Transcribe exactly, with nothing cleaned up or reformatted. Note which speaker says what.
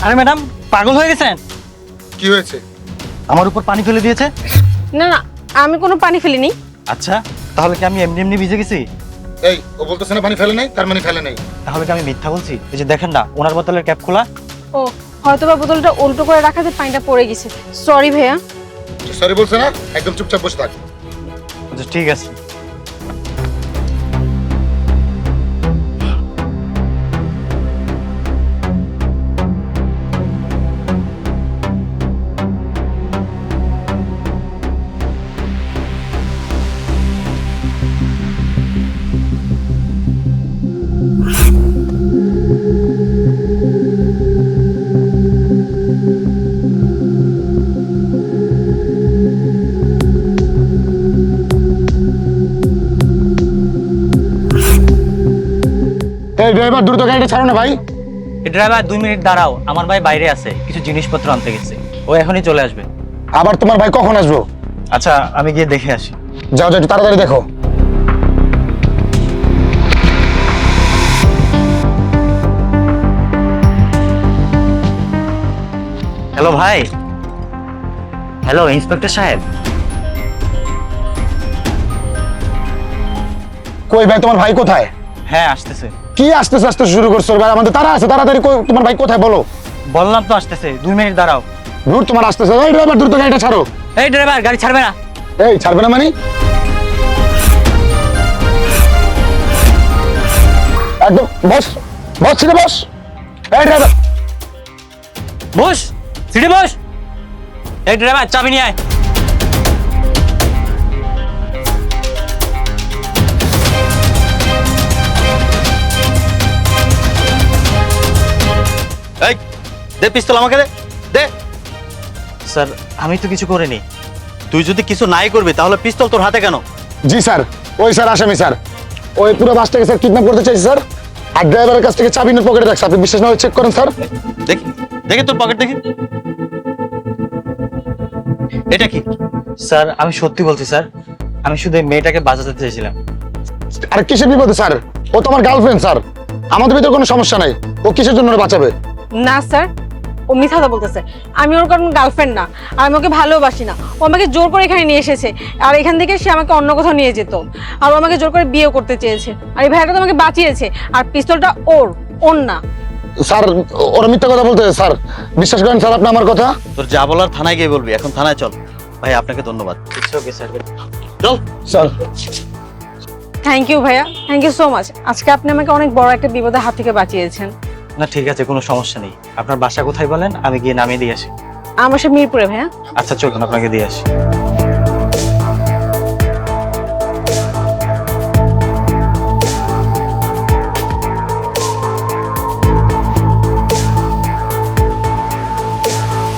Speaker 1: আরে ম্যাডাম পাগল হয়ে গেছেন?
Speaker 2: কি হয়েছে?
Speaker 1: আমার উপর পানি ফেলে দিয়েছে।
Speaker 3: না না, আমি কোনো পানি ফেলিনি।
Speaker 1: আচ্ছা, তাহলে কি আমি এমনি এমনি ভিজে গেছি?
Speaker 2: এই ও বলতেছে না পানি ফেলে নাই, তার মানে ফেলে নাই।
Speaker 1: তাহলে কি আমি মিথ্যা বলছি? এই যে দেখেন না, ওনার বোতলের ক্যাপ খোলা।
Speaker 3: ও হয়তো বা বোতলটা উল্টো করে রাখাতে পানিটা পড়ে গেছে। সরি ভাইয়া।
Speaker 2: সরি বলছে না, একদম চুপচাপ বসে থাক।
Speaker 1: আচ্ছা ঠিক আছে।
Speaker 2: এই ড্রাইভার দ্রুত গাড়িটা ছাড়ো না ভাই।
Speaker 1: ড্রাইভার দুই মিনিট দাঁড়াও, আমার ভাই বাইরে আছে, কিছু জিনিসপত্র আনতে গেছে, ও এখনই চলে আসবে।
Speaker 2: আবার তোমার ভাই কখন আসবো?
Speaker 1: আচ্ছা আমি গিয়ে দেখে আসি।
Speaker 2: যাও যাও, একটু তাড়াতাড়ি দেখো।
Speaker 1: হ্যালো ভাই। হ্যালো ইন্সপেক্টর সাহেব।
Speaker 2: কই ভাই, তোমার ভাই কোথায়?
Speaker 1: হ্যাঁ আসতেছে।
Speaker 2: কি আসতেছে আসতে শুরু করছো ভাই? আমাদের তারা আছে, তাড়াতাড়ি কই, তোমার ভাই কোথায় বলো।
Speaker 1: বললাম তো আসতেছে, দুই মিনিট দাঁড়াও।
Speaker 2: দ্রুত তোমার আসতেছে। এই ড্রাইভার দ্রুত গাড়িটা ছাড়ো।
Speaker 1: এই ড্রাইভার গাড়ি ছাড়বে না।
Speaker 2: এই ছাড়বে না মানে? একদম বস বস, ছিটে বস। এই ড্রাইভার
Speaker 1: বস, সিটে বস। এই ড্রাইভার চাবি নিয়ে আয়।
Speaker 4: এই দে পিস্তল আমাকে দে দে।
Speaker 1: স্যার আমি তো কিছু করিনি।
Speaker 4: তুই যদি কিছু নাই করবি তাহলে পিস্তল তোর হাতে কেন?
Speaker 2: জি স্যার, ওই স্যার আসামি স্যার, ওই পুরো বাসটাকে স্যার কিডন্যাপ করতে চাইছে স্যার। আর ড্রাইভারের কাছ থেকে চাবি নিয়ে পকেটে রাখছে। আপনি বিশ্বাস না হয় চেক করেন স্যার।
Speaker 4: দেখি দেখি তোর পকেট দেখি। এটা কি?
Speaker 1: স্যার আমি সত্যি বলছি স্যার, আমি শুধু এই মেয়েটাকে বাঁচাতে চেয়েছিলাম।
Speaker 2: আর কিসের বিপদে স্যার? ও তো আমার গার্লফ্রেন্ড স্যার, আমাদের ভিতরে কোনো সমস্যা নাই। ও কিসের জন্য ওরে বাঁচাবে?
Speaker 3: না স্যার, ও মিথ্যা কথা বলতেছে। আমি ওর কোনো গার্লফ্রেন্ড না, আর আমি ওকে ভালোবাসি না। ও আমাকে জোর করে এখানে নিয়ে এসেছে, আর এখান থেকে সে আমাকে অন্য কোথাও নিয়ে যেত। আর ও আমাকে জোর করে বিয়ে করতে চেয়েছে, আর এই ভাইয়াটা তো আমাকে বাঁচিয়েছে। আর পিস্তলটা ওর, ওর না।
Speaker 2: স্যার ওরা মিথ্যা কথা বলতেছে স্যার, বিশ্বাস করেন স্যার আপনি আমার কথা।
Speaker 4: তোর যা বলার থানায় গিয়ে বলবি। এখন থানায় চল। ভাই আপনাকে ধন্যবাদ।
Speaker 1: Okay sir.
Speaker 4: চল।
Speaker 2: স্যার
Speaker 3: থ্যাংক ইউ ভাইয়া, থ্যাংক ইউ সো মাচ। আজকে আপনি আমাকে অনেক বড় একটা বিপদের হাত থেকে বাঁচিয়েছেন।
Speaker 1: না ঠিক আছে, কোনো সমস্যা নেই। আপনার বাসা কোথায় বলেন, আমি গিয়ে নামিয়ে দিয়ে আসি।
Speaker 3: আমার সে মিরপুরে ভাইয়া।
Speaker 1: আচ্ছা চলুন আপনাকে দিয়ে আসি।